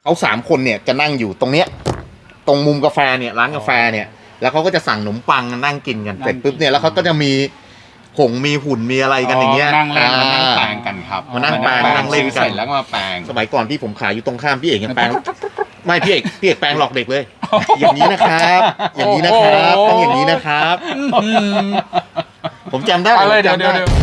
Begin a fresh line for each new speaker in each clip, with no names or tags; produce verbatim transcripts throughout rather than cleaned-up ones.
เขาสามคนเนี่ยจะนั่งอยู่ตรงเนี้ยตรงมุมกาแฟเนี่ยร้านกาแฟเนี่ยแล้วเขาก็จะสั่งขนมปังนั่งกินกันเสร็จปุ๊บเนี่ยแล้วเขาก็จะมีหงมีหุ่นมีอะไรกันอย่างเงี้ย
นั่งเล่น
มานั่งแปลงกันครับ
มานั่งแปลงนั่งเล่นกัน
เสร็จแล้วก็มาแปลง
สมัยก่อนที่ผมขายอยู่ตรงข้ามพี่เอกยังแปลงไม่พี่เอกพี่เอกแปลงหลอกเด็กเลย อย่างนี้นะครับ อย่างนี้นะครับต้องอย่างนี้นะครับผมจำได้
อะไรเดี๋ยว
จำ
เดี๋ยว
ได้
เดี๋ยว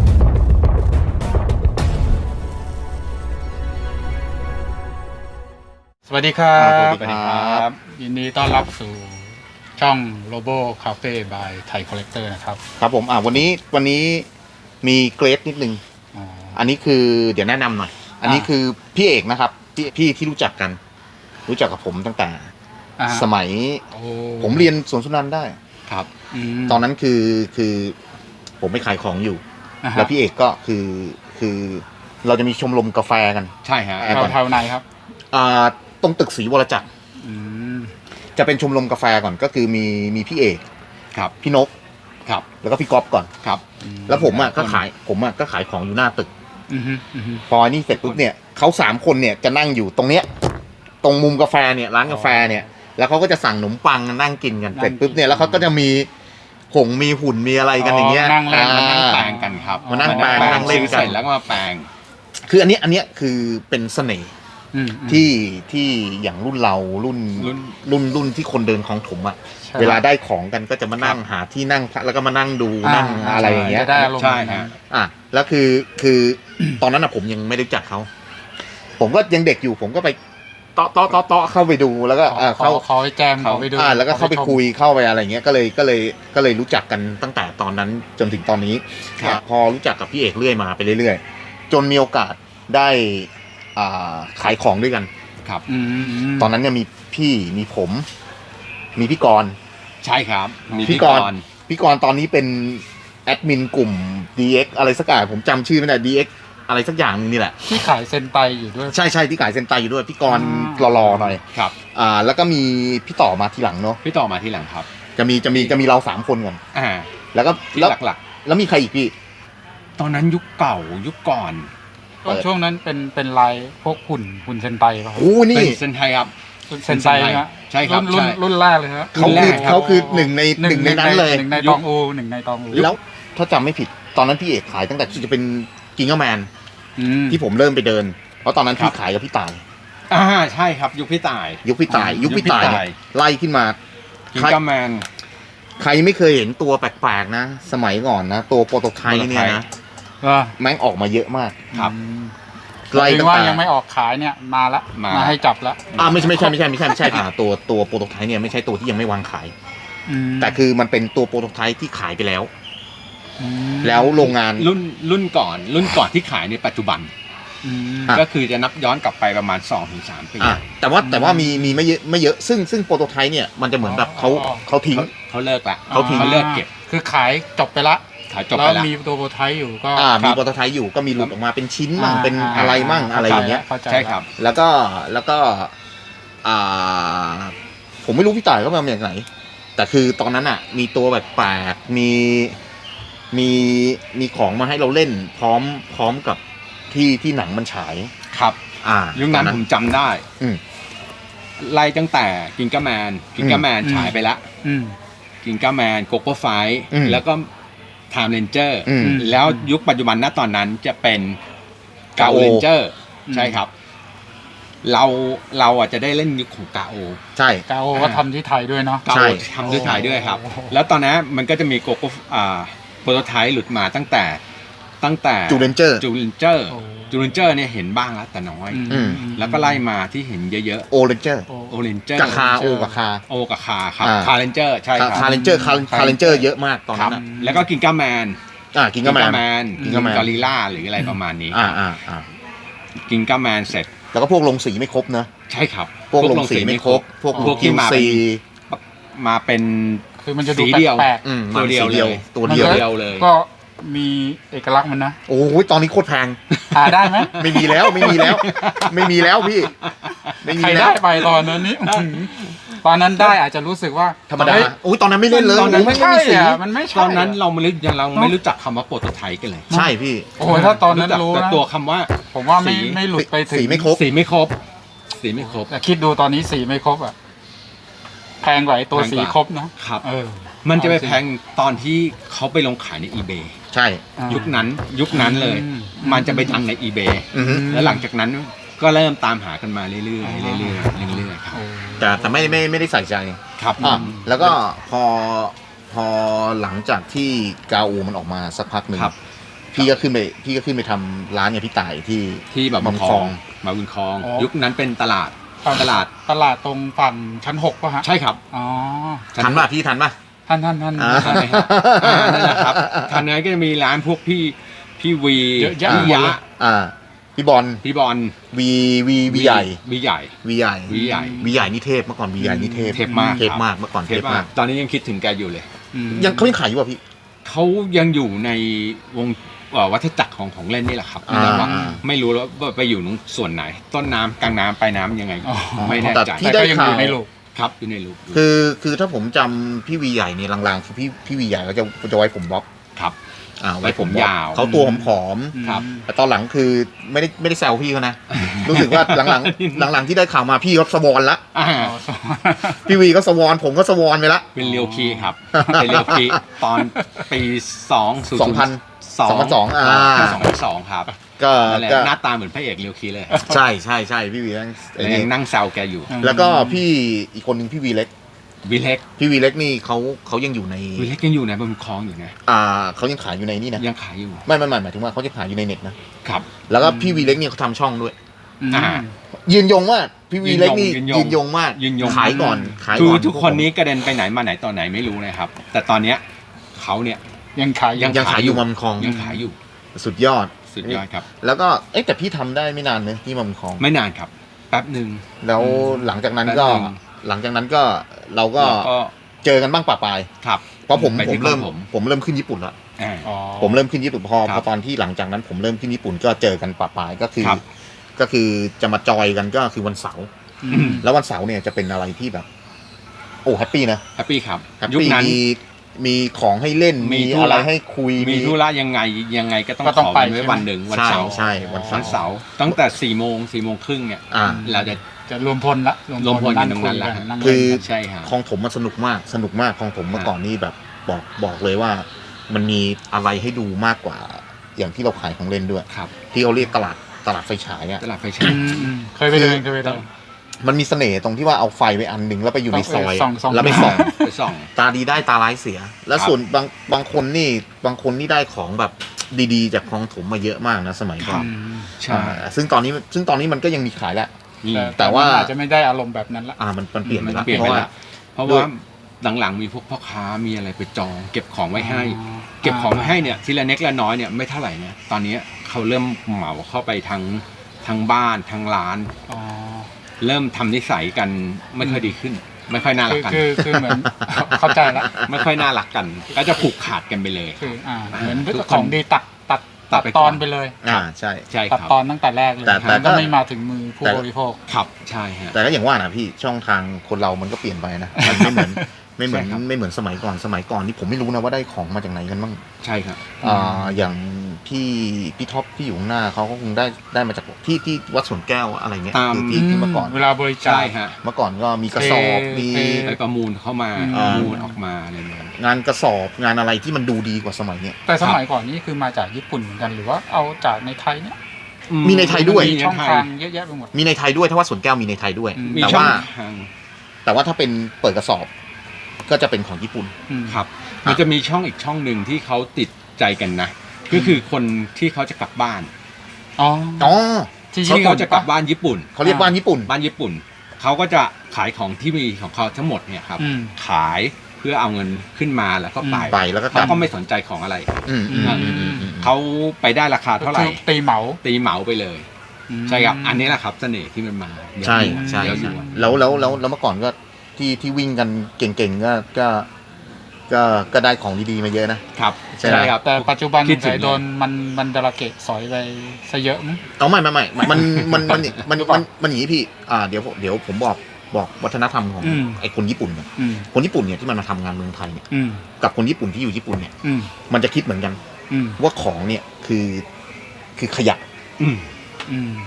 สวัสดีครับ
สวัสดีครับ
ยินดีต้อนรับสู่ช่อง Robo Cafe by Thai Collector นะครับ
ครับผมอ่าวันนี้วันนี้มีเกรดนิดนึง
อ๋อ
อันนี้คือเดี๋ยวแนะนำหน่อย อันนี้คือพี่เอกนะครับพี่พี่ที่รู้จักกัน รู้จักกับผมตั้งแต่
อ่า
สมัย
โอ้
ผมเรียนสวนสุนันท์ได้
ครับ
ม
ตอนนั้นคือคือผมไปขายของอยู่
อ่าฮะ
แล้วพี่เอกก็คือคือเราจะมีชมรมกาแฟกัน
ใช่ฮะ
แอร์
แถวแถวไหนครับ
อ่าตรงตึกศรีวรจักร
อืม
จะเป็นชมรมกาแฟก่อนก็คือมีมีพี่เอก
ครับ
พี่นก
ครับ
แล้วก็พี่ก๊อฟก่อน
ครับ
แล้วผมอ่ะก็ขายผมอ่ะก็ขายของอยู่หน้าตึก
อือฮึอือฮึ
พออันนี้เสร็จปุ๊บเนี่ยเขาสามคนเนี่ยจะนั่งอยู่ตรงเนี้ยตรงมุมกาแฟเนี่ยร้านกาแฟเนี่ยแล้วเขาก็จะสั่งขนมปังนั่งกินกันเสร็จปุ๊บเนี่ยแล้วเขาก็จะมีหงมีหุ่นมีอะไรกันอย่างเงี้ย
นั่งเล่น
มานั่งแปล
อ่า
งกันครับ
มานั่งแปลงนั่งเล่นกัน
เสร็จแล้วก็มาแปลง
คืออันนี้อันเนี้ยคือเป็นเสน่ห์
อืมอืม
ที่ที่อย่างรุ่นเรารุ่น
รุ่น
รุ่นรุ่นที่คนเดินคลองถมอ่ะ
ใช่
เวลาได้ของกันก็จะมานั่งหาที่นั่งพักแล้วก็มานั่งดูนั่งอะไรอย่างเงี้ย
จะได้อารมณ์
ใช่ฮะ
อ่ะแล้วคือคือตอนนั้นอ่ะผมยังไม่ได้รู้จักเขาผมก็ยังเด็กอยู่ผมก็ไปเตาะเตาะเตาะเตาะเข้าไปดูแล้วก็
ขอ
เอ่อ
ขอ
เข้า
ขอให้แจมขอไปดู
อ่าแล้วก็เข้าไป
ขอชม
คุยเข้าไปอะไรเงี้ยก็เลยก็เลยก็เลยรู้จักกันตั้งแต่ตอนนั้นจนถึงตอนนี้
ครับ
อ่ะพอรู้จักกับพี่เอกเรื่อยมาไปเรื่อยๆ จนมีโอกาสได้อ่าขายของด้วยกัน
ครับ
อืมม
ตอนนั้นเนี่ยมีพี่มีผม มีพี่กรณ์
ใช่ครับมี
พี่
พี่
ก
ก
รณ์
รณ์
พี่กรณ์ตอนนี้เป็นแอดมินกลุ่ม ดี เอ็กซ์ อะไรสักอย่างผมจำชื่อไม่ได้ ดี เอ็กซ์ อะไรสักอย่างนึงนี่แหละ
ที่ขายเซนไตอยู่ด้วย
ใช่ใช่ที่ขายเซนไตอยู่ด้วยพี่กรณ์
อ่า
หล่อๆหน่อย
ครับ
อ่าแล้วก็มีพี่ต่อมาทีหลังเนาะ
พี่ต่อมาที่หลังครับ
จะมีจะมีจะมีเราสามคนก่อน
อ่า
แล้วก็
ที่
แล้ว
หลัก
แล้วมีใครอีกพี่
ๆ ตอนนั้นยุคเก่ายุคก่อน
ก็ช่วงนั้นเป็นเป็นลายพวกหุ่นหุ่นเซนไตป่ะครับ
โอ้นี่
เป็นเซนไทยครับ
เซนไตนะ
ใช่ครับ
รุ่น
ใช่
รุ่นแรกเลยฮะ
เขา
แร
คือก
ครับ
เขาคือหนึ่งในหนึ่งในนั้นเลย
หนึ่งในตองอูหนึ่งในตองอู
แล้วถ้าจำไม่ผิดตอนนั้นพี่เอกขายตั้งแต่จะเป็นกิงเกอร์แมน
อืม
ที่ผมเริ่มไปเดิน เพราะตอนนั้น
ครั
พี่
บ
ขายกับพี่ต่าย
อ่าใช่ครับยุคพี่ต่าย
ยุคพี่ต่าย
อ่ายุ
ยุคพี่ต่าย
ยุคพี่
เนี่ย
ต่าย
ไล่ขึ้นมา
กิง
ใคร
กัมแมน
ใครไม่เคยเห็นตัวแปลกๆนะ สมัยก่อนนะ ตัวโปรโตไทป์เนี่ยนะ
ว่า
แม่งออกมาเยอะมาก
ครับ
ไล่
ถึ
ตั้
ง
ง
ว่า
แต่
ยังไม่ออกขายเนี่ยมาละ
มา
มาให้จับละ
อ่าไม่ใช่ไม่ใช่ไม่ใช่ไม่ใช่ไม่ใช่อ่าตัวตัวโปรโตไทป์เนี่ยไม่ใช่ตัวที่ยังไม่วางขาย
อืม
แต่คือมันเป็นตัวโปรโตไทป์ที่ขายไปแล้ว
อืม
แล้วโรงงาน
รุ่นรุ่นก่อน รุ่นก่อนที่ขายในปัจจุบัน
อืม
อ่ะ
ก็คือจะนับย้อนกลับไปประมาณ สองถึงสาม ปี
อ่ะแต่ว่าแต่ว่ามีมีไม่เยอะไม่เยอะซึ่งซึ่งโปรโตไทป์เนี่ยมันจะเหมือนแบบเขาเขาทิ้ง
เขาเขาเลิกละ
เขาทิ้ง
เขาเลิกเก็บ
คือขายจบไปละ
ขายจบ
แล้
ไป
ว
แล้ว
มีตัวโปรไทป์อยู่ก็
อ่า
ครั
มี
บ
โปรโตไทป์อยู่ก็มีหลุดออกมาเป็นชิ้นมั่ง
อ่า
เป็นอะไรมั่งอะไรอย่างเงี้ย
ข้ใจละ
ใช่ครับ
แล้วก็แล้วก็อ่าผมไม่รู้พี่ต่ายเขามาจากไหน แต่คือตอนนั้นอ่ะ มีตัวแบบแปลกๆมีมีมีของมาให้เราเล่น พร้อมพร้อมกับที่ที่หนังมันฉาย
ครับ
อ่า
ยุคนั้นผมจำได้
อืม
ไล่ตั้งแต่กิงก้าแมนกิงก้าแมนฉายไปละ
อืม
กิงก้าแมนโกโก้ไฟ
อืม
แล้วก็ไทม์เรนเจอร์
อืม
แล้วยุคปัจจุบันณตอนนั้นจะเป็นกาโอ
Gao
เรนเจอร์
อืม
ใช่ครับ เราเราอ่ะจะได้เล่นยุคของกาโอ
ใช่
กาโอก็ทำที่ไทยด้วยเนาะ
กา
ใช่
โอทำด้วยถ่ายด้วยครับ
โอ้โห
แล้วตอนนั้นมันก็จะมีโกโก้อ่าโปรโตไทป์หลุดมาตั้งแต่ตั้งแต่
จูเลนเจอร์
จูเลนเจอร์
โอ้
จูเลนเจอร์เนี่ยเห็นบ้างแล้วแต่น้อย
อืม
แล้วก็ไล่มาที่เห็นเยอะ
โอเรนเจอร์
โอ้
ๆโอเรนเจอร์
กับคาโอกับคา
โอกับคาครับ
อ่า
คาเรนเจอร์ใช่ครับ
คาเรนเจอร์คาคาเรนเจอร์เยอะมากตอน
ครั
นั้
บ
นอ่ะ
แล้วก็กิงก้าแมน
อ่ากินกาแมน
แมน
กิงก้าแมน
กอริลล่าหรืออะไรประมาณนี้
อ่าอ่าอ่า
กิงก้าแมนเสร็จ
แล้วก็พวกลงสีไม่ครบนะ
ใช่ครับ
พวกลงสีไม่ครบ พวก
พวกที่มา
สี
มาเป็น
คือมันจะดู
สีเดียว
แปลก
อืม
ตัวเดียว
สี
เลย
ตัว
ๆมัน
เดียว
ก็
เดียวเลย
ก็มีเอกลักษณ์มันนะ
โอ้โหตอนนี้โคตรแพง
หาได้ไหม
ไม่มีแล้วไม่มีแล้ว ไม่มีแล้วพี่ ไม่มี
ใคร
แล้
ได้
ว
ไปตอนนั้นนี่อื้อหือตอนนั้นได้อาจจะรู้สึกว่า
ธรรมดา
เฮ้ย
อุ้ยตอนนั้นไม่เล่นเลย
ตอนนั้น
ไม่
โย
ใช่
มีสี
อ่ะมันไม่ใช่
ตอนนั้น
ะ
เราไม่รู้ยังเราไม่รู้จักคำว่าโปรโตไทป์กันเลย
ใช่พี่
โอ้โหถ้าตอนนั้นรู้
แต่
นะ
ตัวคำว่า
ผมว่าไม่
สี
ไม่หลุดไปถึง
สีไม่ครบ
สีไม่ครบสีไม่ครบ
แต่คิดดูตอนนี้สีไม่ครบอ่ะแพงกว่าไอ้ตัวสีครบนะครับ เออ
มันจะไปแพงตอนที่เขาไปลงขายใน eBay
ใช่
อ่า
ยุคนั้นยุคนั้นเลย
อืม
มันจะไปดังใน eBay
อือฮึ
แล้วหลังจากนั้นก็เริ่มตามหากันมาเรื่อยๆเรื่อยๆเรื่อยๆเรื่อยๆครับ
โอ้
แต่แต่ไม่ไม่ไม่ได้ใส่ใจ
ครับ
อ่ะ
อืม
แล้วก็พอพอหลังจากที่กาอูมันออกมาสักพักหนึ่ง
ครับ
พี่ก็ขึ้นไปพี่ก็ขึ้นไปทำร้านเนี่ยพี่ต่ายที่
ที่แบบ
บาง
ค
ค
ล
ล
อ
อง ง
มาบุญคลอง
อ๋อ
ยุคนั้นเป็นตลาด ตลาด
ตลาดตรงฝั่งชั้นหกป่ะฮะ
ใช่ครับ
อ๋อ
ทันป่ะพี่ทันป่ะ
ท่านท่านท่าน
อ่า
ใช่ครับอ่านั่นแหละครับทางนั้นก็จะมีร้านพวกพี่พี่วี
เยอะแยะ
พี่
หมด
ยะ
เลย
อ่าพี่บอล
พี่บอล
วีวีวีใหญ่
วีใหญ่
วีใหญ่
วีใหญ่
วีใหญ่นี่เทพเมื่อก่อนวีใหญ่นี่เทพ
เทพมาก
เทพมากเมื่อก่อน
เท
เท
ป
พ
มาม
าก ก
ตอนนี้ยังคิดถึงแกอยู่เลย
อืม
ยังเขายังขายอยู่ป่ะพี่
เขายังอยู่ในวงเอ่อวัฏจักรของของเล่นนี่แหละครับ
อ่า
แต่ว่าไม่รู้แล้วว่าไปอยู่ตรงส่วนไหน ต้นน้ำกลางน้ำปลายน้ำยังไง
อ๋อ
ไม่แน่
แต่
ใจ
ที่
แต่
ได้
ก็ยังอยู่
ข่าว
ในลูก
ครับอยู่ในรูป
คือคือถ้าผมจำพี่วีใหญ่เนี่ยลางๆคือพี่พี่วีใหญ่เขาจะจะไว้ผมบ๊อบ
ครับ
อ่า
ไว้ผม
บ๊อบ
ยาว
เขาตัวผอม
ครับ
ๆแต่ตอนหลังคือไม่ได้ไม่ได้แซวพี่เขานะ รู้สึกว่าหลังๆหลังๆที่ได้ข่าวมาพี่เขาสวอนละ
อ่า
พี่วีก็สวอนผมก็สวอนไปละ
เป็นเรียวคีครับ เป็นเรียวคีตอนปีสอง
สองพัน
สอง
สองพันสองอ่า
สองพันสองครับ
ก็
นั่นแหละ
ก็
หน้าตาเหมือนพระเอกเรียวคีเลย
ใช่ใช่ใช่พี่วีนั่งไอ้
แล้ว
นี่
ยังนั่งแซวแกอยู่
แล้วก็พี่อีกคนหนึ่งพี่วีเล็ก
วิเล็ก
พี่วีเล็กนี่เขาเขายังอยู่ใน
วิเล็กยังอยู่ในบนคลองอยู่นะ
อ่าเขายังขายอยู่ในนี่นะ
ยังขายอยู่
ไม่ไม่ไม่หมายถึงว่าเขาจะขายอยู่ในเน็ตนะ
ครับ
แล้วก็พี่วีเล็กเนี่ยเขาทำช่องด้วย
อืม
อ่า
ยืนยงว่าพี่วีเล็กนี่
ยืนยง
ยืนยงมาก
ยืนยง
ขายก่อนขาย
คือ
ก่อน
ทุกคนนี้กระเด็นไปไหนมาไหนตอนไหนไม่รู้นะครับ แต่ตอนเนี้ยเขาเนี่ย
ยังขายอ
ยั
ยู่
ง
ยังขายอยู่มัมคลอง
ยังขายอยู่
สุดยอด
สุดยอดครับ
แล้วก็เอ๊ะแต่พี่ทำได้ไม่นานเนอะที่มัมคลอง
ไม่นานครับ แป๊บหนึ่ง
แล้วหลังจากนั้นก็
แป๊บนึง
หลังจากนั้นก็เราก็
แล้วก็
เจอกันบ้างปะปาย
ครับ
เพราะผม
ไป
ผ
ที่
มเริ่ม
ผม
ผมเริ่มขึ้นญี่ปุ่นแล้ว
อ่า
อ๋อ
ผมเริ่มขึ้นญี่ปุ่นพอ
ค
พ
รั
อบ ตอนที่หลังจากนั้นผมเริ่มขึ้นญี่ปุ่นก็เจอกันปะปายก็คือ
ครับ
ก็คือจะมาจอยกันก็คือวันเสาร์
อืม
แล้ววันเสาร์เนี่ยจะเป็นอะไรที่แบบ โอ้แฮปปี้นะ
แฮปปี้ครับ
แฮป
ยุค
ปี้
นั้น
มีมีของให้เล่น
มี
มี
ธุ
อะไร
ระ
ให้คุย
มีธุระยังไงยังไงก็ต้อง
ก็ต้อง
ขอ
ไป
กันไว้
ใช่ไหม
วันหนึ่งวัน
ใช่
เสาร์
ใช่วันเสา
วัน
ร์
เสาร์ตั้งแต่สี่โมงสี่โมงครึ่งเนี่ย
อ่า
เราจะ
จะรวมพลละ
รวมพลกัน
ง
ตรงนั้นละ
คุยกัง
คื
เล่น
อ
กัน
ใช่ฮะ
คลองถมมันสนุกมากสนุกมากคลองถมเมื่อก่อนนี่แบบบอกบอกเลยว่า มันมีอะไรให้ดูมากกว่า อย่างที่เราขายของเล่นด้วย
ครับ
ที่เขาเรียกตลาดตลาดไฟฉายอ่ะ
ตลาดไฟ
อื
ฉาย
มอืมเคยไปเดินเคยไปเดิน
มันมีเสน่ห์ตรงที่ว่าเอาไฟไปอันหนึ่งแล้วไปอยู่ในซอย
ส่องส่อง
แล้วไปส่อง
ไปส่อง
ตาดีได้ตาร้ายเสีย แล้ว
ครับ
ส่วนบางบางคนนี่บางคนนี่ได้ของแบบดีๆ จากคลองถมมาเยอะมากนะสมัยก่อน
อืม
ใช่
อ่าซึ่งตอนนี้ซึ่งตอนนี้มันก็ยังมีขายแหละ
นี่
แต่ว่า
อาจจะไม่ได้อารมณ์แบบนั้นละ
อ่ามันมันเปลี่ยนไป
มัน
แล้ว
เปลี่ยน
เพ
ไป
ราะว่า
แล้วเพราะ
ด้วย
ว่าหลังๆมีพวกพ่อค้ามีอะไรไปจอง เก็บของไว้ให้
อ๋อ
เก็บของไว้ให้เนี่ยทีละเล็กละน้อยเนี่ยไม่เท่าไหร่เนี่ยตอนนี้เขาเริ่มเหมาเข้าไปทั้งทั้งบ้านทั้งร้าน
อ๋อ
เริ่มทำนิสัยกันไม่ค่อยดีขึ้น ไม่ค่อยน่ารั
คื
ก
อ
กัน
คือคือเหมือน เข้าใจละ
ไม่ค่อยน่ารักกัน ก็จะผูกขาดกันไปเลย
คืออ่าเหมือน
ทุกคน
ของดีตัดตัด
ตั
ตั
ด
ด
ไป
ต
ก่
อ
อน น
ไปเลย
อ่าใช่
ใช่
ตัด
ครับ
ตอนตั้งแต่แรกเลย
แต่แต่
มันก็
ก็
ไม่มาถึงมือผู้
แต่
บริโภค
ครับใช่ฮะ
แต่ก็อย่างว่านะพี่ช่องทางคนเรามันก็เปลี่ยนไปนะมันไม่เหมือนไม่เหมือน
ใช่ครับ
ไม่เหมือนสมัยก่อนสมัยก่อนนี่ผมไม่รู้นะว่าได้ของมาจากไหนกันบ้าง
ใช่ครับ
อ่าอย่างพี่พี่ท็อปที่อยู่ข้างหน้าเขาก็คงได้ได้มาจากที่ที่วัดสวนแก้วอะไรเงี้ย
ตาม
คือที่ที่เมื่อก่อน
เวลาบริจา
ใช่
ค
ฮะ
เมื่อก่อนก็มีกระสอบ
เท
มี
เท
ไปประมูลเข้ามา
อืม
ประมูลออกมาอะไรอย่างเงี้ย
งานกระสอบงานอะไรที่มันดูดีกว่าสมัยเนี้ย
แต่สมัยก่อนนี่คือมาจากญี่ปุ่นเหมือนกันหรือว่าเอาจากในไทยเนี่ย
มีในไทยด้วย
มีช่องทางเยอะแยะไปหมด
มีในไทยด้วยถ้าว่าสวนแก้วมีในไทยด้วย
อืม
มี
แต่
ช่อง
ว่า
ทาง
แต่ว่าถ้าเป็นเปิดกระสอบ ก็จะเป็นของญี่ปุ่น
อืม
ครับ มันจะมีช่องอีกช่องหนึ่งที่เขาติดใจกันนะ ก็คือคนที่เขาจะกลับบ้าน
อ๋อ
อ๋อ
ที่
ที่
ญี่
เขา
ปุ่น
จะกลับบ้านญี่ปุ่น
เขาเรียกบ้านญี่ปุ่น
บ้านญี่ปุ่น เขาก็จะขายของที่มีของเขาทั้งหมดเนี่ยครับ
อืม
ขายเพื่อเอาเงินขึ้นมาแล้วก็ไป
ไปแล้วก็ก
เขา
ลับ
ก็ไม่สนใจของอะไร
อืมอืม
อืม
อืมอืมอืม
เขาไปได้ราคาเท่าไหร่
คือตีเหมา
ตีเหมาไปเลย
อืม
ใช่ครับ อันนี้แหละครับเสน่ห์ที่มันมา
ใช่ใช่
เดี๋ยวอ
ใช่
ยู่
แล้วแล้วแล้วแล้วเมื่อก่อนก็ที่ที่วิ่งกันเก่งๆก็ก็ก็ก็ได้ของดีๆมาเยอะนะ
ครับ
ใช่ไหม
ครับ
แต่ปัจจุบัน
คิดถึง
สายโดนมันมันดาราเกะสอยไปซะเยอะมั้ง
เอาไม่ไม่ไม่มันมันมันมันมันมันอย่างนี้พี่อ่าเดี๋ยวเดี๋ยวผมบอกบอกวัฒนธรรมของ
อืม
ไอ้คนญี่ปุ่นก่อน
อืม
คนญี่ปุ่นเนี่ยที่มันมาทำงานเมืองไทยเนี่ย
อืม
กับคนญี่ปุ่นที่อยู่ญี่ปุ่นเนี่ย
อืม
มันจะคิดเหมือนกัน
อืม
ว่าของเนี่ยคือคือขยะ
อืม
อืม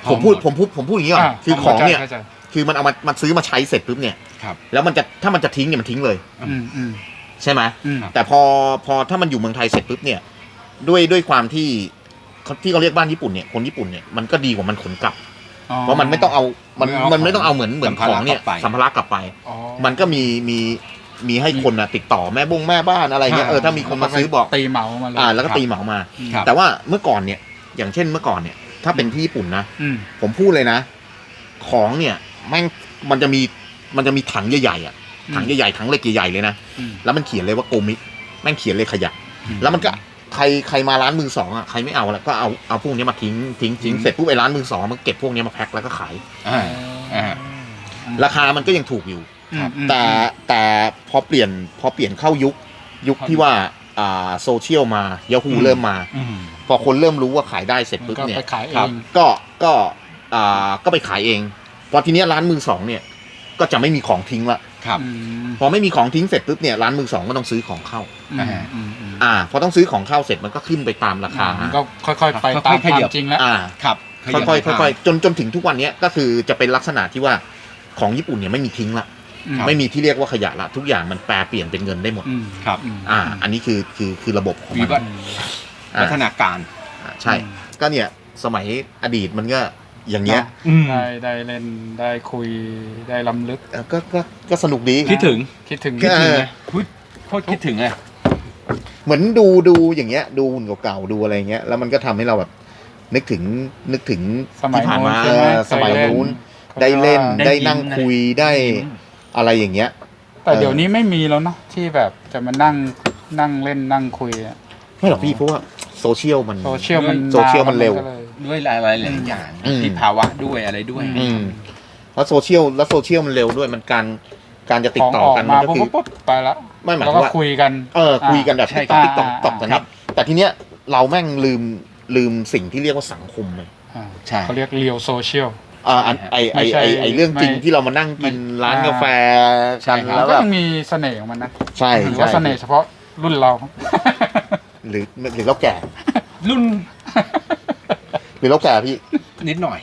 ผมพูดผมพูดผมพูดอย่างนี้ก่อน
อ่า
คือของเนี่ย
ข้าใจ
คือมันเอามามันซื้อมาใช้เสร็จปุ๊บเนี่ย
ครับ
แล้วมันจะถ้ามันจะทิ้งเนี่ยมันทิ้งเลย
อืมอืม
ใช่ไหม
อืม
แต่พอพอถ้ามันอยู่เมืองไทยเสร็จปุ๊บเนี่ยด้วยด้วยความที่เขาที่เขาเรียกบ้านญี่ปุ่นเนี่ยคนญี่ปุ่นเนี่ยมันก็ดีกว่ามันขนกลับ
อ๋อ
เพราะมันไม่ต้องเอามัน
ไม่เอา
มันไม่ต้องเอาเหมือนเหมือน
สัม
ข
ภา
อ
ระ
งเนี่ย
กลับไป
สัมภาระกลับไป
อ๋อ
มันก็มีมีมีให้คนนะติดต่อแม่บงแม่บ้านอะไรเงี้ย
อ่า
เออถ้ามีคนมาซื้อบอก
ตีเหมามาเลย
อ่าแล้วก็
ครับ
ตีเหมามา
ครับ
แต่ว่าเมื่อก่อนเนี่ยอย่างเช่นเมื่อก่อนเนี่ยถ้าเป็นที่ญี่ปุ่นนะ
อืม
ผมพูดเลยนะ ของเนี่ยแม่งมันจะมีมันจะมีถังใหญ่ๆอ่ะถังใหญ่ๆถังเหล็กใหญ่ๆเลยนะ
อืม
แล้วมันเขียนเลยว่าโกมิแม่งเขียนเลยขยะ
อืม
แล้วมันก็ใครใครมาร้านมือสองอ่ะใครไม่เอาแล้วก็เอาเอาพวกนี้มาทิ้งทิ้งทิ้งเสร็จปุ๊บไอ้ร้านมือสองมันเก็บพวกนี้มาแพ็คแล้วก็ขาย
อ่าอ่า
ราคามันก็ยังถูกอยู่
อืมอืม
แต่แต่พอเปลี่ยนพอเปลี่ยนเข้ายุคยุคที่ว่าอ่าโซเชียลมา Yahoo
อืม
เริ่มมา
อืม
พอคนเริ่มรู้ว่าขายได้เสร็จ
มัน
ปุ๊บ
ก็
เนี่ย
ไปขายเอ
ครับ
ง
ก็ก็อ่าก็ไปขายเองพอทีเนี้ยร้านมือสองเนี่ยก็จะไม่มีของทิ้งละ
ครับ
อืม
พอไม่มีของทิ้งเสร็จปุ๊บเนี่ยร้านมือสองก็ต้องซื้อของเข้า
อืมอืมอืม
อ่าพอต้องซื้อของเข้าเสร็จมันก็ขึ้นไปตามราคา
มันก็ค่อยๆไป
ค่อยๆ
ตามค
ข
วา
ยั
ม
บ
จริงแล้ว
อ่า
ครับ
ค่อยๆค่อยๆจนจนถึงทุกวันเนี้ยก็คือจะเป็นลักษณะที่ว่าของญี่ปุ่นเนี่ยไม่มีทิ้งละ
อืม
ไม่มีที่เรียกว่าขยะละทุกอย่างมันแปลเปลี่ยนเป็นเงินได้หมด
อืม
ครับ
ม
อ่า อันนี้คือคือคือระบบของ
วิ
มัน
วัฒ
อืม
อ่า
วัฒนาการ
อ่าใช่ ก็เนี่ยสมัยอดีตมันก็อย่างเงี้ย
อืม
ได้ได้เล่นได้คุยได้ล้ำลึก
เออก็ก็ก็สนุกดี
คิดถึง
คิดถึง
คิดถึง
นะพูดโคตรคิดถึงเลย
เหมือนดูดูอย่างเงี้ย ดูหุ่นเก่าๆดูอะไรเงี้ยแล้วมันก็ทำให้เราแบบ นึกถึงนึกถึง
สมัย
ที่ผ่านมา
โน้นใช่ไหม
เออสมัย
เคยเล่น
นู้น
เขา
ได้เล่น
จะว่า
ได้นั่งคุยได้อะไรอย่างเงี้ย
แต่เดี๋ยวนี้ไม่มีแล้วเนาะที่แบบจะมานั่งนั่งเล่นนั่งคุยอะ
ไม่หรอกพี่เพราะว่าโซเชียลมัน
โซเชียลมัน
โซเชียลมันเร็ว
ก็ลย
ด้วยหลายๆหลายอย่าง
อืม
ที่ภาวะด้วยอะไรด้วย
อืมแล้วโซเชียลแล้วโซเชียลมันเร็วด้วยมันการการจะติดต่อ
ขง
กัน
มา
มันก็
ปุ๊บ
คือ
ปุ๊บไปละ
ไม่หมาย
แล้ว
ถึ
ก็
งว่า
คุยกัน
เออคุยกันแบบ
ใช่
ติ๊กต๊อก
ครับ
ติ๊กต๊อกกัน
ครั
เนี้
บ
ยแต่ทีเนี้ยเราแม่งลืมลืมสิ่งที่เรียกว่าสังคมเลย
อ่า
ใช่
เขาเรียกเรียวโซเชียล
อ่าอันไอไอ
ไม่ใช่
ไอไอเรื่องจริง
ไม่
ที่เรามานั่งกิน
ไม่
ร้าน
อ่า
กาแฟ
ใช่
กัน
ครับ
แล้ว
ก็
แบบ
ยังมีเสน่ห์ของมันนะ
ใช่
หรือ
ใช่
ว่าเสน่ห์เฉพาะรุ่นเรา
หรือหรือเราแก่
รุ่น
หรือเราแก่พี่
นิดหน่อย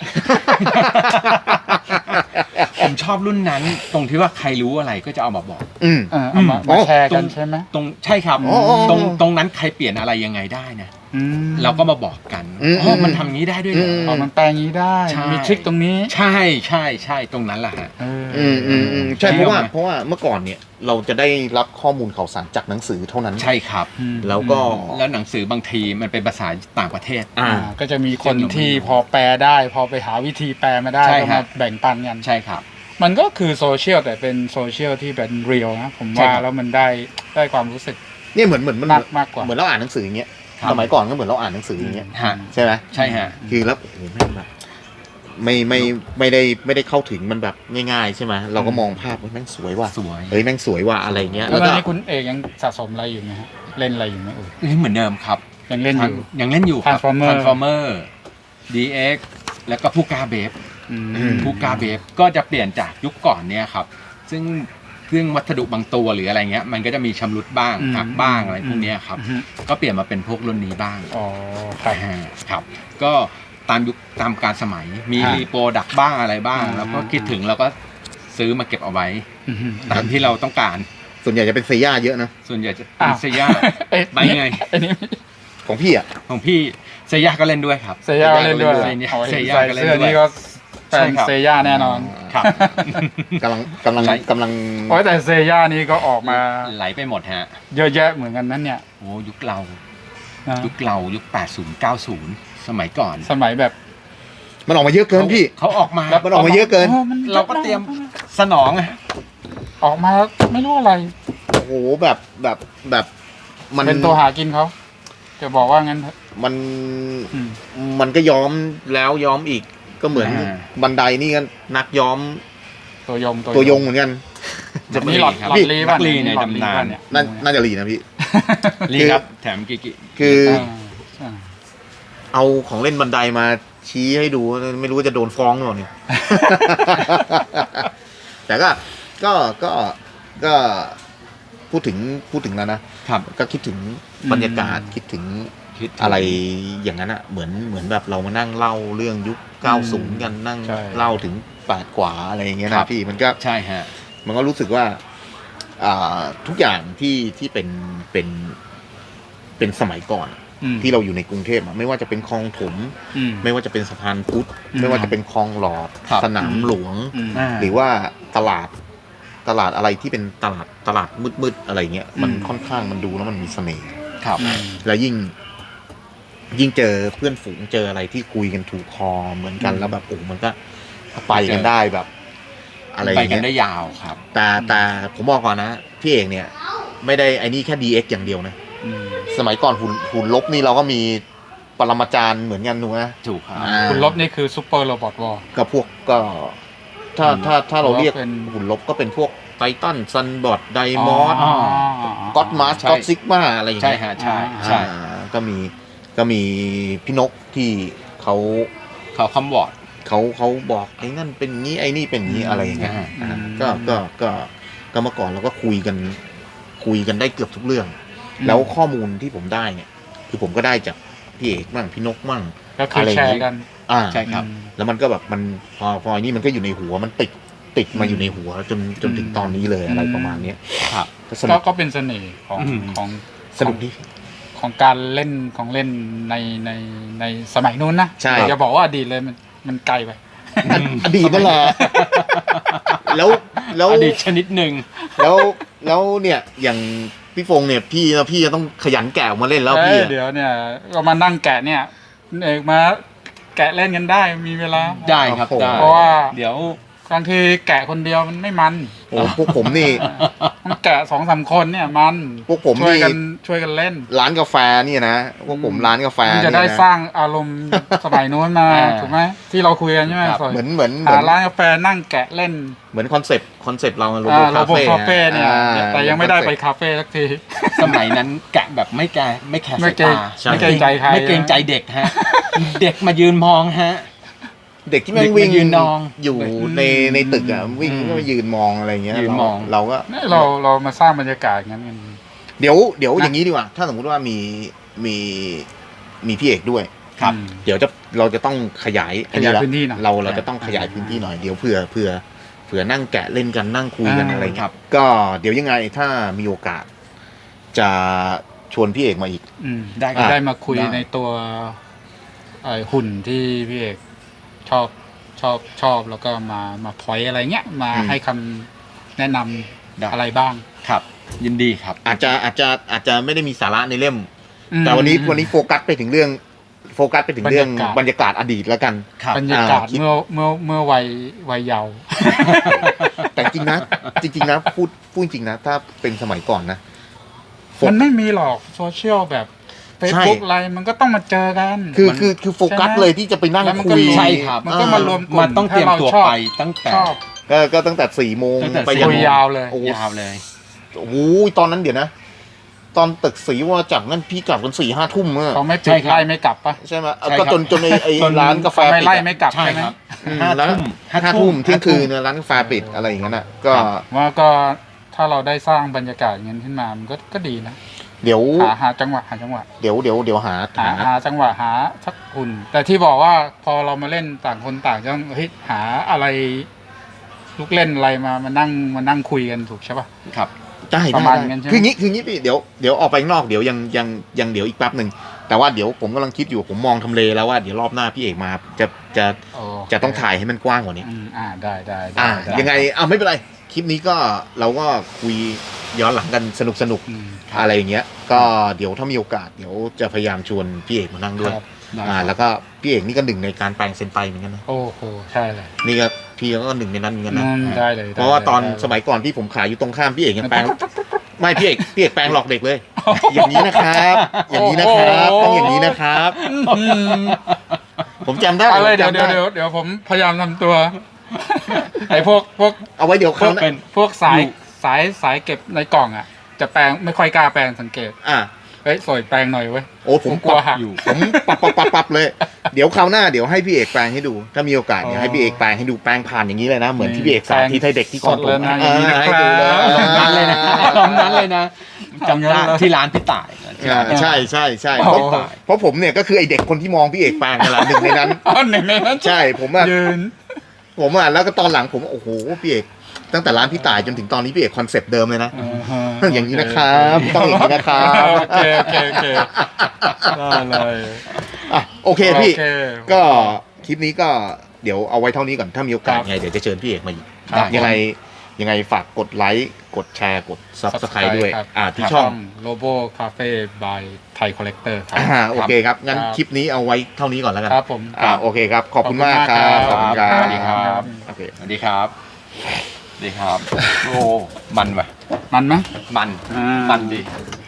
ผมชอบรุ่นนั้น ตรงที่ว่าใครรู้อะไรก็จะเอามาบอก
อืม
เออเอามา
อ๋
มา
อ
แชร์กัน
ตรง
ใช่ไหม
ตรงใช่ครับ
อ๋ออ๋อ
ตรงตรงนั้นใครเปลี่ยนอะไรยังไงได้นะ
อืม
เราก็มาบอกกัน
อืม
อ๋อมันทำงี้ได้ด้วยเหรอ
อื
เอามันแปลงนี้ได้
ใช่
มีทริคตรงนี้
ใช่ใช่ใช่ตรงนั้นแหละฮะ
เออ
อืมอืมอืมใช่
ใช่
เพราะว่า
ไหม
เพราะว่าเมื่อก่อนเนี่ยเราจะได้รับข้อมูลข่าวสารจากหนังสือเท่านั้น
ใช่ครับ
อืม
แล้วก็
แล้วหนังสือบางทีมันเป็นภาษาต่างประเทศ
อ่า
อ่าก็จะมีคน
ซึ่งเราไม่
ที่
รู้
พอแปลได้ พอไปหาวิธีแปลมาได้
ใช่
ก็
ครั
มา
บ
แบ่งปันกัน
ใช่ครับ
มันก็คือโซเชียลแต่เป็นโซเชียลที่เป็นเรียลนะผม
ใช่
ว่า
ครับ
แล้วมันได้ได้ความรู้สึก
เนี่ยเหมือนเหมือนมัน
มากมากกว่า
เหมือนเราอ่านหนังสืออย่างเงี้ย
ครับ
สมัยก่อนก็เหมือนเราอ่านหนังสืออย่างเงี้ย
ฮะ
ใช่ไหม
ใช่ฮะ
คือแล้วโอ้โหแม่งแบบไม่ไม่ไม่ได้ไม่ได้เข้าถึงมันแบบง่ายๆใช่ไหมเราก็มองภาพว่าแม่งสวยว่ะ
สวย
เฮ้ยแม่งสวยว่ะอะไรเงี้ย
แล้
แล้ว ว
ตอน
ก็
นี้คุณเอกยังสะสมอะไรอยู่ไหมฮะเล่นอะไรอยู่ไหมเอ่ย
นี่เหมือนเดิมครับ
ยังเล่นอยู่
ยังเล่นอยู่ครับ
Transformer
Transformer ดี เอ็กซ์ แล้วก็ผู้กล้าเบฟ
อืม
อืม
ผู้กล้าเบฟก็จะเปลี่ยนจากยุคก่อนเนี่ยครับ ซึ่งซึ่งวัสดุบางตัวหรืออะไรเงี้ย มันก็จะมีชำรุดบ้าง
อืม
หักบ้างอะไรพวกเนี้ยครับ
อืม
ก็เปลี่ยนมาเป็นพวกรุ่นนี้บ้าง
อ๋อครับ
อ่าครับ ก็ตามยุคตามการสมัย มี
อ่า
รีโปรดักบ้างอะไรบ้าง
อ่า
แล้วก็คิดถึงเราก็ซื้อมาเก็บเอาไว้
อืม
ตามที่เราต้องการ
ส่วนใหญ่จะเป็นเซย่าเยอะนะ
ส่วนใหญ่จะ
อ้า
เป็น
ว
เซย่า
เอ้ย
ไปไง
อันนี้
ของพี่อ่ะ
ของพี่เซย่าก็เล่นด้วยครับ
เซย่าเล่นด้วย
เซย่า
เอาเห็น
เซย่า
ใส่
ก็เล่น
เสื้อ
ด้วย
นี่ก็แฟ
ใช่
น
ครับ
เซย่าแน่นอน
ครับ
กำลังกำลัง
ใช่
กำลัง
โอ้ยแต่เซย่านี่ก็ออกมา
ไหลไปหมดฮะ
เยอะแยะเหมือนกันนั่นเนี่ย
โอ้ยุคเรา
นะ
ยุคเรายุคแปดสิบ เก้าสิบ สมัยก่อน
สมัยแบบ
มันออกมาเยอะเกินพี่
เขาออกมา
มันออกมาเยอะเกิน
โมัน
เราก็เตรียมสนองอะ
ออกมาไม่รู้อะไร
โอ้โหแบบแบบแบบมัน
เป็นตัวหากินเขาจะบอกว่างั้นเถอะ
มัน
อืม
มันก็ย้อมแล้วย้อมอีกก็เหมือน
อ่า
บันไดนี่ก็นักย้อม
ตัวยง
ตัวยงเหมือนกัน
จะมีหลอด
ครับ
หลอดลี
นั
ป่ะ
กลีใน
หลอดลี
ตำนาน
ป่ะเนี่ย
น่าน่าจะรีนะพี่
ลีครับ แถมกิกิ
คือ
อ่าใช่
เอาของเล่นบันไดมาชี้ให้ดูไม่รู้ว่าจะโดนฟ้องหรือเปล่าเนี่ย แต่ก็ก็ก็ก็พูดถึงพูดถึงแล้วนะครับ ก็คิดถึงบรรยากาศคิดถึง
คิดถึง
อะไรอย่างนั้นอะเหมือนเหมือนแบบเรามานั่งเล่าเรื่องยุคเก้าสิบกันนั่ง
ใช่
เล่าถึงแปดกว่าอะไรอย่างเงี้ย
ครั
นะ
บ
พี่มันก็
ใช่ฮะ
มันก็รู้สึกว่าอ่าทุกอย่างที่ที่เป็นเป็นเป็นสมัยก่อน
อืม
ที่เราอยู่ในกรุงเทพอะไม่ว่าจะเป็นคลองถม
อืม
ไม่ว่าจะเป็นสะพานพุทธ
อืม
ไม่ว่าจะเป็นคลองหลอด
ครับ
สนามหลวง
อืม
หรือว่าตลาดตลาดอะไรที่เป็นตลาดตลาดมืดๆอะไรเงี้ยมัน
อืม
ค่อนข้างมันดูแล้วมันมีเสน่ห์
ครับ
อืม
แล้วยิ่ง ยิ่งเจอเพื่อนฝูงเจออะไรที่คุยกันถูกคอเหมือนกัน
อืม
แล้วแบบโอ้มันก็ไปกันได้แบบ อะไรอ
ไป
ย่าง
กัน
เงี้ย
ได้ยาวครับ
แต่แต่ผมบอกก่อนนะพี่เอกเนี่ย ไม่ได้ไอ้นี่แค่ ดี เอ็กซ์ อย่างเดียวนะ
อืม
สมัยก่อนหุ่นหุ่นลบนี่เราก็มีปรมาจารย์เหมือนกันหนูนะ
ถูกครับ
อ่า
คุณลบนี่คือซูเปอร์โรบอทวอล
ก็พวกก็ ถ้า
อืม
ถ้าถ้าเราเรียก
เป็น
หุ่นลบก็เป็นพวกไททันซันบอดไดมอส
อ๋อ
ก็อดมาส
ใช่
ก็อดซิกมาอะไรอย่าง
ใช่
เงี้ย
ฮะใช่ใช่
อ่าก็มีก็มีพี่นกที่เขา
เขาคำวอร์ด
เขาเขาบอกไอ้นั่นเป็นงี้ไอ้นี่เป็นงี้อะไรอย่างเงี้ย
อ่า
อ่าก็ก็ก็ก็เมื่อก่อนเราก็คุยกัน คุยกันได้เกือบทุกเรื่อง แล้วข้อมูลที่ผมได้เนี่ย คือผมก็ได้จากพี่เอกมั่งพี่นกมั่ง
ก็คือแชร์กัน
อ่า
ใช่ครับ
อืม
แล้วมันก็แบบมันพอพอไอ้นี่มันก็อยู่ในหัวมันติดติดมาอยู่ในหัวจนจนถึงตอนนี้เลยอะไรประมาณเนี้ย
ครับ
ก็ส
ก็
นุก
ก็เป็นเสน่ห์ของ
อืม
ของ
สนุกดี
ของการเล่นของเล่นในในในสมัยนู้นนะ
ใช่
อย่าบอกว่าอดีตเลยมันมันไกลไป
ออดีตนั่นแหละแล้วแล้ว
อดีตชนิดหนึ่ง
แล้วแล้วเนี่ยอย่างพี่ฟงเนี่ยพี่แล้วพี่จะต้องขยันแกะออกมาเล่นแล้ว
เอ้
พี่
ย
อะ
เดี๋ยวเนี่ยก็มานั่งแกะเนี่ยเอกมาแกะเล่นกันได้มีเวลา
ได้ครับได้
เพราะว่า
เดี๋ยว
บางทีแกะคนเดียวมันไม่มัน
โอ้พวกผมนี่
มันแกะสองสามคนเนี่ยมัน
พวกผม
ช่วย
นี่
กันช่วยกันเล่น
ร้านกาแฟเนี่ยนะพวกผมร้านกาแฟ
มันจะ
เนี่ย
ได้
นะ
สร้างอารมณ์สมัยนู้นมา
อ่า
ถูกไหมที่เราคุยกันใช่ไหม
ครับ
สอย
เหมือนเหมือนเหมื
หา
อน
ร้านกาแฟนั่งแกะเล่น
เหมือนคอนเซปต์คอนเซปต์เราโร
อ่า
โบ
โร
คา
โบ
เฟ่
คาเฟ่เนี่ย
อ่า
แต่ยังไม่ได้ไปคาเฟ่สักที
สมัยนั้นแกะแบบไม่แกะไม่แคร์
ไม่
สาย
เกรง
ตา
ใช่
ไม่เกรงใจใคร
ไม่เกรงใจเด็กฮะ เด็กมายืนมองฮะ
เด็กที่แม่ง
เด็ก
วิ่ง
มายืนมอง
อยู่ในในตึกอ่ะวิ่ง
อืม
ก็มายืนมองอะไรเงี้ย
ยืนมอง
เราเราก็
เนี่ยเราเรามาสร้างบรรยากาศอย่างนั้นกัน
เดี๋ยวเดี๋ยว
นะ
อย่างนี้ดีกว่า ถ้าสมมุติว่ามีมีมีพี่เอกด้วย
ครับ
อืม
เดี๋ยวจะเราจะต้องขยาย
ขยาย
ละ
พื้นที่หน่อย
เราเราจะต้องขยายพื้นที่หน่อยเดี๋ยวเผื่อเผื่อเผื่อนั่งแกะเล่นกันนั่งคุยกัน
อ่า
อะไร
ครั
เงี้
บ
ยก็เดี๋ยวยังไงถ้ามีโอกาส จะชวนพี่เอกมาอีก
อืม
ได้ครับ
ได้มาคุย
ได้
ในตัวไอ้หุ่นที่พี่เอกชอบชอบชอบแล้วก็มามาพอยอะไรเงี้ยมา
อืม
ให้คำแนะนำ
ได้
อะไรบ้าง
ครับ ยินดีครับ
อาจจะอาจจะอาจจะไม่ได้มีสาระในเล่ม
อืม
แต่วันนี้วันนี้โฟกัสไปถึงเรื่องโฟกัสไปถึงเรื่อง
บบ
ร
ร
ร
ร
ยาย
าก
า
ศ
ศอดีตแล้วกัน
ครับ
บรรยากาศ
อ่าคิด
เมื่อเมื่อเมื่อวัยวัยเยาว์
แต่จริงนะ จริง ๆ นะ พูดพูดจริงนะ ถ้าเป็นสมัยก่อนนะ โฟ
มันไม่มีหรอกโซเชียลแบบ
ใช่
Facebook อะไรมันก็ต้องมาเจอกัน
คือ
มัน
คือคือโฟกัส
ใช่ไหม
เลยที่จะไปนั่ง
แล้วมัน
คุ
ก็
ย
รวม
ใช่ครับ
มันก็มารวมกลุ่
มันต้องเตรียมตัว
ถ้าาชอบ
ไปตั้งแต่
ชอบ
ก็ก็ตั้งแต่สี่โมง
ตั้งแต่
ไป
สี่
ยั
คุ
ง
ยยาวเลย
โอ้โห
ยาวเลย
โอ้โหตอนนั้นเดี๋ยวนะ ตอนตึกสีว่าจับนั่นพี่กลับกันสี่ห้าทุ่มเมื่อ
เขาไม่
ใช่
ปิด
ครับ
ไล่ไม่กลับปะ
ใช่ไหม
ใช่ครับ
ก็จนจนไอ้ไอ้
จน
ร้านกาแฟ
เขาไม่
ปิด
ไล่
อะ
ไม่กลับ
ใช่
ใช่ไหม
ครับ
อืม
ห้า
แล้ว
ทุ่ม
ห้าทุ่มเที่ยงคืน
ห้าทุ่ม
เนี่ยร้านกาแฟปิดอะไรอย่างนั้นอ่ะ ก็
ครับ
ว่าก็ถ้าเราได้สร้างบรรยากาศอย่างนั้นขึ้นมามันก็ก็ดีนะ
เดี๋ยว
หาหาจังหวะหาจังหวะ
เดี๋ยวเดี๋ยวเดี๋ยวหา
หา
หา
หาจังหวะหาสักหุ่น แต่ที่บอกว่าพอเรามาเล่นต่างคนต่างจะต้องเฮ้ยหาอะไรลูกเล่นอะไรมามานั่งมานั่งคุยกันถูกใช่ปะ
ครับ
ได้
ป
ได้
ระมาณ
ได้
นั้นใช่ไหม
คืองี้คืองี้พี่เดี๋ยวเดี๋ยวออกไปข้างนอกเดี๋ยวยังยังยังเดี๋ยวอีกแป๊บหนึ่งแต่ว่าเดี๋ยวผมกำลังคิดอยู่ผมมองทำเลแล้วว่าเดี๋ยวรอบหน้าพี่เอกมาจะจะ
โอเค
จะต้องถ่ายให้มันกว้างกว่านี้
อืมอ่าได้ได้ได้
อ่า
ได้
ยังไงอ่าไม่เป็นไรคลิปนี้ก็เราก็คุยย้อนหลังกันสนุกสนุก
อืม
อะไรอย่างเงี้ย ก็เดี๋ยวถ้ามีโอกาสเดี๋ยวจะพยายามชวนพี่เอกมานั่งด้วย
ครับ
ได้
อ่า
ครับ
แล้วก็พี่เอกนี่ก็หนึ่งในการแปลงเซนไตเหมือนกันนะ
โอ้โหใช่เลย
นี่ก็พี่ก็หนึ่งในนั้นเหมือนกันนะ
นั่นได้เลย
เพราะว่าตอน
ได้เลย
สมัยก่อนที่ผมขายอยู่ตรงข้ามพี่เอกยังแปลง ไม่พี่เอกพี่เอกแปลงหลอกเด็กเลย อย่างนี้นะครับ อย่างนี้นะครับ ต้องอย่างนี้นะครับ
อืม
ผมจำได้
อะไร
ผม
เดี๋ยว
จำ
เดี๋ยว
ได้
เดี๋ยวเดี๋ยวผมพยายามทำตัว ไอ้พวกพวก
เอาไว้เดี๋ยว
พ
เขา
วก
วหนะ
เป็น
พวกสาย
อยู่
สายสายเก็บในกล่องอ่ะ จะแปลงไม่ค่อยกล้าแปลงสังเกต
อ่ะ
เฮ้ยสวยแปลงหน่อยเว้ย
โอ้ผม
ผมกลัว
ปรับ
หัก
อยู่ผมปรับปรับปรับปรับเลย เดี๋ยวคราวหน้าเดี๋ยวให้พี่เอกแปลงให้ดู ถ้ามีโอกาสเดี๋ยวให้พี่เอกแปลงให้ดูแปลงผ่านอย่างนี้เลยนะ เหมือนที่พี่เอกสาธิตให้เด็กที่
สดเลยนะ
เออให้ดูเลย
อย่างนี้นะครับ
ลงนั้นเลยนะลงนั้นเลยนะจำได้
เอางั้นเลย
ที่ร้านพี่ต่าย
อ่าใช่ใช่ใช่
อ๋
เพ
อ
ราะเพราะผมเนี่ยก็คือไอเด็กคนที่มองพี่เอกแปลงนั่นแหละหนึ่งในนั้น
อ๋อหนึ่งในนั้น
ใช่ผมอะ
ยืน
ผมอะแล้วก็ตอนหลังผมโอ้โหพี่เอกตั้งแต่ร้านพี่ต่ายจนถึงตอนนี้พี่เอกคอนเซปต์เดิมเลยนะ อย่างนี้นะครับต้องอย่างนี้นะครับ
โอเคโอเคโอเคได้เลย
อ่ะโอเคพี่
โอเค
ก็คลิปนี้ก็เดี๋ยวเอาไว้เท่านี้ก่อนถ้ามีโอกาส
ครับ
ไงเดี๋ยวจะเชิญพี่เอกมาอีก
ครับ
ยังไงยังไงฝากกดไลค์กดแชร์กด Subscribe ด้วย
ครับ
อ่าที่ช่อง
โลโบคาเฟ่บายไทยคอลเลกเตอร์ครับ
อ่าโอเคครับงั้น
ครับ
คลิปนี้เอาไว้เท่านี้ก่อนแล้วกัน
ครับผม
อ่าโอเคครับขอบคุณมากครับขอบคุณครั
ส
บ
วัสดีครับ
โอเค
สวัสดีครับสวัสดีครับ โอ้ มันว่ะ
มันไหม
มัน
อ่ามั
มันดี